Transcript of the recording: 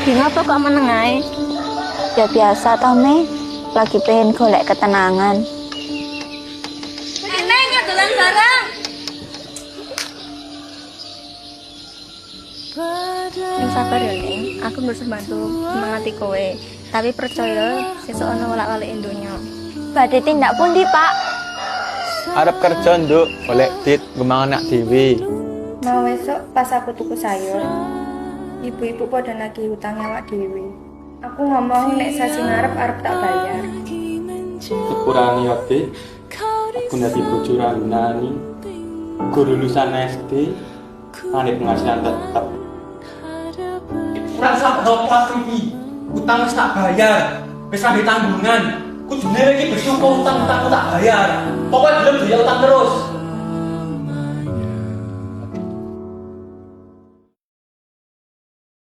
Kenapa kok menengai? Ya biasa toh, Me. Lagi pengen golek ketenangan. Neng, dolan bareng. Yang sabar ya, Neng. Aku berusaha bantu semangati kowe. Tapi percaya, sesuk ana walak-walik donya. Badhe tindak pundi, Pak? Arep kerja nduk, golek dit gemang anak dhewe. Mau besok pas aku tuku sayur, ibu-ibu pada nagih hutang awak dhewe. Aku ngomong nek sasi ngarep arep tak bayar. Sepurane ate, aku nanti bojo ranani, guru lulusan SD, ane penghasilan tetap. Kurang sabar apa iki? Utang wis tak bayar. Wis ada tanggungan. Kudune iki bersyukur utang-utangku tak bayar. Pokoknya belum bayar utang terus.